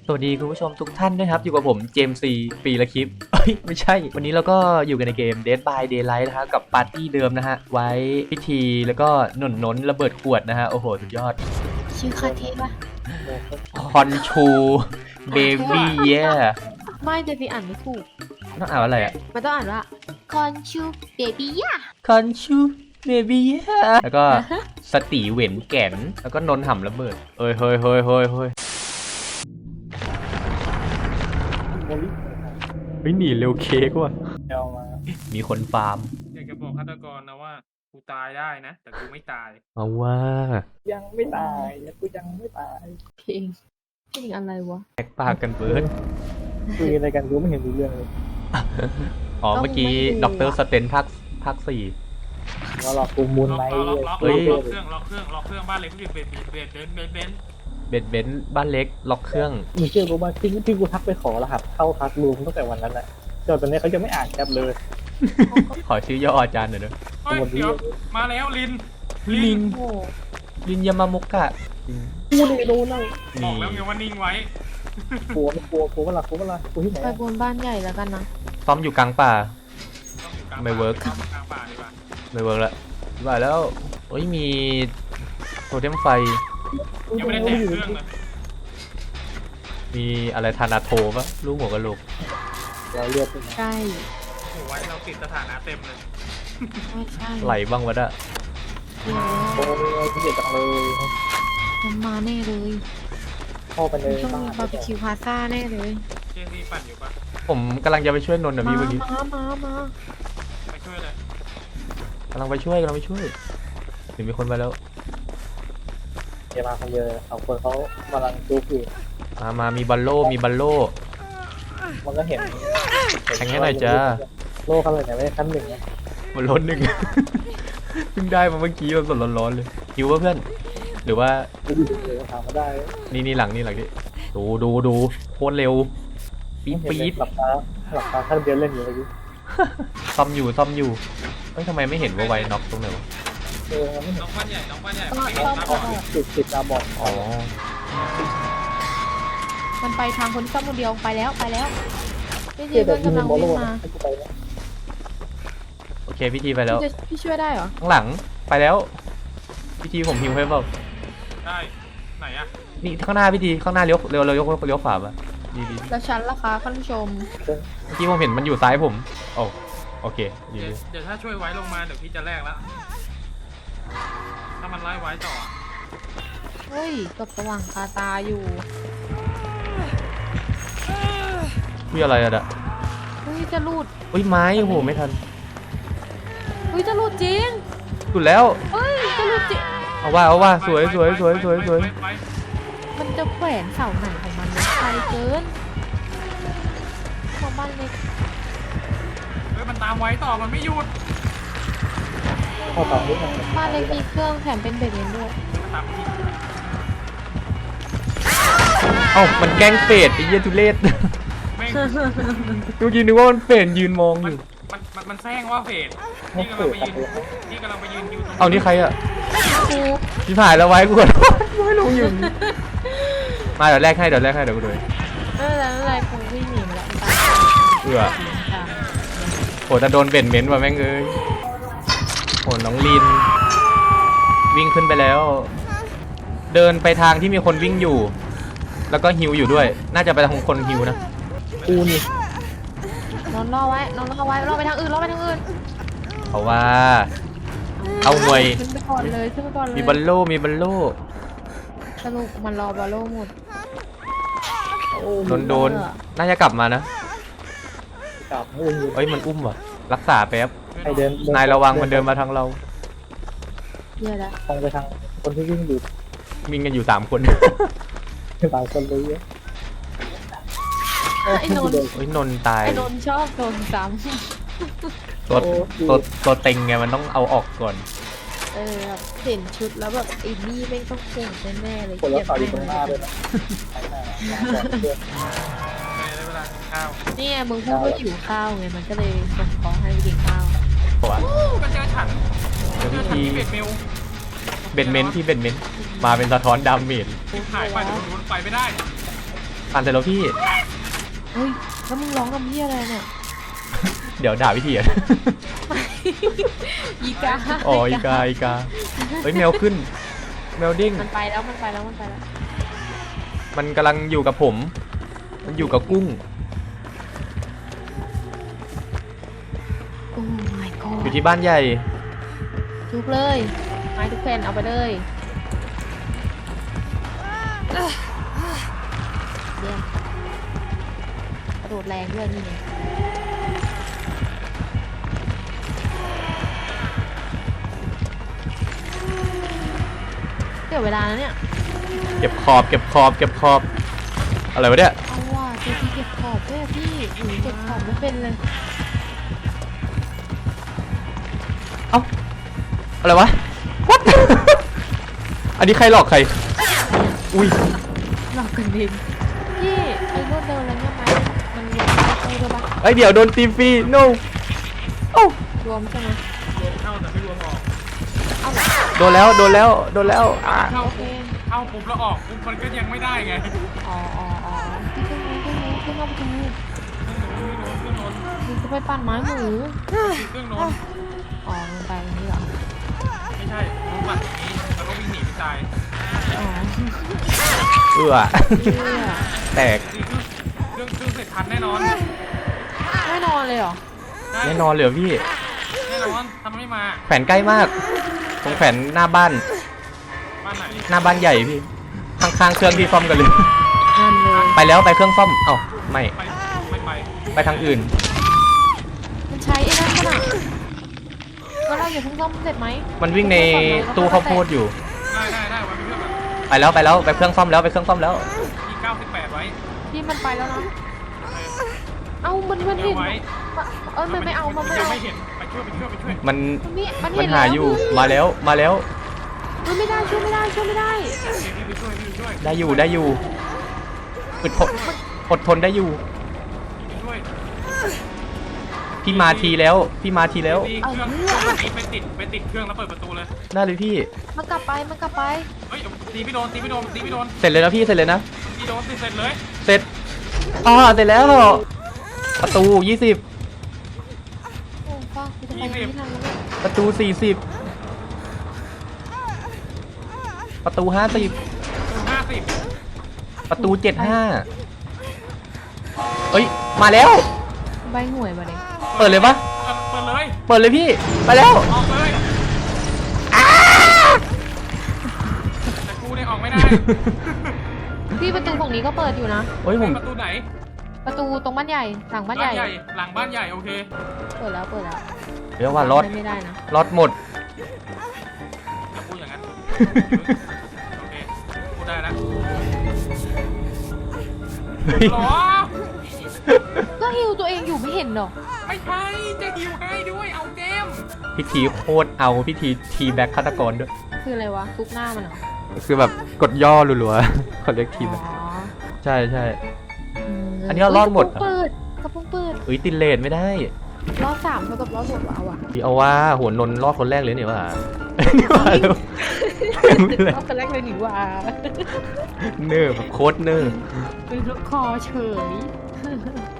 สวัสดีคุณผู้ชมทุกท่านด้วยครับอยู่กับผมเจมส์ซีปีละคลิปไม่ใช่วันนี้เราก็อยู่กันในเกม Dead by Daylight นะฮะกับปาร์ตี้เดิมนะฮะไว้พิธีแล้วก็หนุนระเบิดขวดนะฮะโอ้โหสุดยอดชื่อคาเทปะคอนชูเบบี้เย่ไม่เดบีอ่านไม่ถูกต้องอ่านว่าอะไรอ่ะมันต้องอ่านว่าคอนชูเบบี้ย่าคอนชูเบบี้เย่แล้วก็สตีเหวนแก่นแล้วก็นนห่ำระเบิดเฮ้ยหนีเร็วเค้กว่ะเอามามีคนฟาร์มอยากจะบอกฆาตกรนะว่ากูตายได้นะ แต่กูไม่ตายเอาว่ายังไม่ตายกูยังไม่ตายเพลงอะไรวะแตกปากกันเบิร์ดคุยอะไรกันกูไม่เห็นรู้เรื่องเลยอ๋อเมื่อกี้ต้องไม่ดูด็อกเตอร์สเตนภาคสี่ว่าหลอกกูมูลล็อกไนท์ล็อกล็อกเฮ้ยล็อกเครื่องบ้านเล็กที่เบนเบนซ์บ้านเล็กล็อกเครื่องมึงเชื่อกูว่าที่กูทักไปขอรหัสเข้าทักรูมตั้งแต่วันนั้นแหละจนตอนนี้เขาจะไม่อ่านแคปเลยขอชื่อย่ออาจารย์หน่อยด้วยเฮ้ยเดี๋ยวมาแล้วลินลินโอ้ลินยามามุกะกูเลยโดนนั่งบอนี่กแล้วไงว่านิ่งไว้กลัวไม่กลัวกลัวเวลากลัวเวลากูที่ไหนไปบนบ้านใหญ่แล้วกันนะซ้อมอยู่กลางป่าต้องอยู่กลางไม่เวิร์กกลางป่าดีกว่าไม่เวิร์กละว่าแล้วโอ้ยมีโทเทมไฟยังไม่ได้แตะเครื่องเลยมีอะไรธานาโทปะลูกหัวกะโหลกเราเลือดใช่โอ้โหไว้เราติดสถานะเต็มเลยใช่ไหลบ้างวะน่ะเดี๋ยวโอ้ยเกลียดจังเลยมันมาแน่เลยเข้าไปในต้องบ้ามีนบาร์บีคิวพาซ่าแน่เลยเจซี่ปั่นอยู่ปะผมกำลังจะไปช่วยนนท์นะมาพี่เมื่อกี้มาไปช่วยเลยกำลังไปช่วยหรือมีคนมาแล้วเดี๋ยวมาคนเดียวสองคนเขากำลังจูบอยู่มามีบัลโล่มันก็เห็นแทงให้หน่อยจ้าโลกเขาเลยเนี่ยไม่ได้ขั้นหนึ่งนะบนรถหนึ่ง เพิ่งได้มาเมื่อกี้สดๆร้อนๆเลยหิวป่ะเพื่อน หรือว่าไม่ดูเลยถามมาได้นี่หลังนี่ดูโคตรเร็วปี๊ดหลับตาท่านเดียวเล่นอยู่เมื่อกี้ซ่อมอยู่เอ้ยทำไมไม่เห็นว่าไวน็อกตรงไหนวะมันไม่เห็นน้องบ้านใหญ่ก็ไม่ต้เห็อน งตาบอดติดตาบอดอ๋อมันไปทางคนที่ซ่อมคนเดียวไปแล้วนี่เที่เพื่ยอนแต่กำลังบอลวิ่โลงกมาให้กูไปนะโอเคพิธีไปแล้วพี่ช่วยได้เหรอข้างหลังไปแล้วพิธีผมหิวให้เปล่าได้ไหนอะนี่ข้างหน้าพิธีข้างหน้าเลี้ยวขวาป่ะดีเแล้วฉันล่ะคะท่านผู้ชมมื่อกี้ผมเห็นมันอยู่ซ้ายผมโอ้โอเคดีเดี๋ยวถ้าช่วยไว้ลงมาเดี๋ยวพี่จะแลกแล้วถ้ามันไล่ไว้ต่อเฮ้ยกับสว่างคาตาอยู่คุยอะไรอะเฮ้ยจะรูดอุ้ยไม้โอ้โหไม่ทันเฮ้ยจะรูดจริงสุดแล้วเฮ้ยจะรูดจริงเอาว่าสวยไปมันจะแขวนเสาไหนของมันเนี่ยไกลเกินของบ้านเล็กเฮ้ยมันตามไว้ต่อมันไม่หยุดเข้าต่อนิดนึงบ้านเล็กมีเครื่องแถมเป็นเบรกเองด้วยมันตามพี่เอ้ามันแกล้งเฟดไอ้เหี้ยทุเรศแม่งเมื่อกี้นึกว่ามันเฟดยืนมองอยู่มันแซงว่าเฟดไม่นี่กำเกิลังดไปยืนอยู่ตรงเอานี่ใครอะครูพี่ผ่ายแล้วไว้กูขอโทษไม่รู้อยู่มาเดี๋ยวแรกให้เดี๋ยวกูดูไม่เป็นไรครูวิ่งหนีมาแล้วตามเผื่อตามโหแต่โดนเบนเม้นว่ะแม่งเอ้ยโหน้องลิน วิ่งขึ้นไปแล้ว เดินไปทางที่มีคนวิ่งอยู่ แล้วก็ฮิวอยู่ด้วย น่าจะไปทางคนฮิวนะกูนี่นอนรอไว้รอไปทางอื่นเพราะว่าเอาหน่วยขึ้นไปก่อนเลยมีบัลโล่สรุปมันรอบอลโลหมดโดนน่าจะกลับมานะกลับอุ้มอยู่เอ้ยมันอุ้มว่ะรักษาแป๊บให้เดินนายระวังมันเดินมาทางเราเยอะแล้วตรงไปทางคนที่วิ่งอยู่วิ่งกันอยู่3 คนหลายคนเลยไอ้นนท์เฮ้ยนนท์ตายไอ้นนท์ชอบโดนซ้ตัวเต็งไงมันต้องเอาออกก่อนำแบบเห็นชุดแล้วแบบไอ้นี่แม่งต้องเก่งแน่ๆเลยคนละต่ออยู่ตรงหน้าด้วยนะในเวลากินข้าวนี่ไงมึงพูดว่าหิวข้าวไงมันก็เลยส่งของให้ไปกินข้าวเพราะว่าก็เจอฉันเดี๋ยวเจอพี่ฉันทีที่เบ็ดเมลเบนเมนต์มาเป็นสะท้อนดาเมจหายไปเดี๋ยวมันไปไม่ได้ปั่นเสร็จแล้วพี่เฮ้ยแล้วมึงร้องกับพี่อะไรเนี่ยเดี๋ยวด่าพี่ทีอ่ะอีกาอ๋ออีกาเฮ้ยแมวขึ้น แมวดิ้งมันไปแล้วมันไปแล้วมันไปแล้วมันกำลังอยู่กับผม มันอยู่กับกุ้งโอ้ my god อยู่ที่บ้านใหญ่ทุบเลยไม้ทุกแผ่นเอาไปเลยเยี่ยมกระโดดแรงด้วยนี่ไงเดี๋ยวเวลานะเนี่ยเก็บขอบ อะไรวะเนี่ยเอาว่ะตัวที่เก็บขอบด้วยอะพี่หนูเก็บขอบไม่เป็นเลยเอ้า อะไรวะ What อันนี้ใครหลอกใคร อุ้ยหลอกกันเองพี่ไอ้รถเดินอะไรเงี้ยไหมมันรวมได้ด้วยปะเอ้ยเดี๋ยวโดนตีฟรี no เอ้ารวมใช่ไหมรวมเข้าแต่ไม่รวมออกเอาเหรอโดนแล้วอ่ะเข้าโอเคเข้าปุ๊บแล้วออกปุ๊บมันก็ยังไม่ได้ไงอ๋อพี่ขึ้นเอาประตูเครื่องโน้นมึงจะไปปั่นไม้หมูเครื่องโน้นอ๋อมึงไปตรงนี้เหรอไม่ใช่รู้ป่ะนี้แล้วก็วิ่งหนีไปตายอ๋อเอื้อเพื่อแตกเครื่องเสร็จทันแน่นอนไม่นอนเลยเหรอได้แน่นอนเลยเหรอพี่แน่นอนทำไม่มาแขวนใกล้มากตรงแขวนหน้าบ้านบ้านไหนหน้าบ้านใหญ่พี่ ข้างๆเครื่องที่ซ่อมกันเลยนั่นเลยไปแล้วไปเครื่องซ่อม เอ้าไม่ไม่ไปไปทางอื่นมันใช้ไอ้นั่นขนาดแล้วเราอย่าเพิ่งซ่อมเสร็จไหมมันวิ่งในตู้ข้าวโพดอยู่ได้วันนี้เพื่อนแบบไปแล้วไปเครื่องซ่อมแล้วไปเครื่องซ่อมแล้วมี98ไว้พี่มันไปแล้วนะเอ้ามันเดี๋เห็ยวน ไว้มันไม่เอามันไม่ยังเอาไม่เห็นไปช่วยมันมันมัเห็นนหาแล้วอยู่พี่มาแล้วมันไม่ได้ช่วยไม่ได้พี่ไปช่วยได้อยู่อดทนได้อยู่พี่ช่วยพี่มาทีแล้วตีเครื่องไปติดเครื่องแล้วเปิดประตูเลยได้เลยพี่มันกลับไปเฮ้ยตีไม่โดนเสร็จเลยนะพี่เสร็จเลยนะตีโดนตีเสร็จเลยเสร็จเสร็จแล้ว ประตู 20 โอ้ฟ้ากูจะไปยังไม่ทันแล้วเนี่ยประตู 40 ประตู 50 50 ประตู 75 เอ้ย มาแล้วใบหวยมาเนี่ยเปิดเลยปะเปิดเลยเปิดเลยพี่ ไปแล้วออกเลยแต่กูเนี่ยออกไม่ได้พี่ประตูฝั่งนี้ก็เปิดอยู่นะโอ้ยผมประตูไหนประตูตรงบ้านใหญ่หลังบ้านใหญ่หลังบ้านใหญ่โอเคเปิดแล้วเดี๋ยวว่ารถไม่ได้นะรถหมดจะพูดอย่างนั้นโอเคพูดได้แล้วเฮ้ยหรอก็ฮิวตัวเองอยู่ไม่เห็นหรอไม่ใช่จะฮิวให้ด้วยเอาเกมพิธีโคตรเอาพิธีทีแบ็คฆาตกรด้วยคืออะไรวะทุบหน้ามันเหรอคือแบบกดย่อรัวๆ เขาเรียกทีแบ็คอ๋อใช่ใช่มอันนี้เรารอดหมดเหรอกระโปรงเปิดเอ้ยติดเลทไม่ได้รอบ3เท่ากับรอบ6เอาอะพี่เอาว่าหัวนนท์รอดคนแรกเลยนี่ว่า นี่ว่าแล้วไม่เลยรอบคนแรกเลยหนิว่าเนิร์ฟโคตรเนิร์ฟเป็นลูกคอเฉย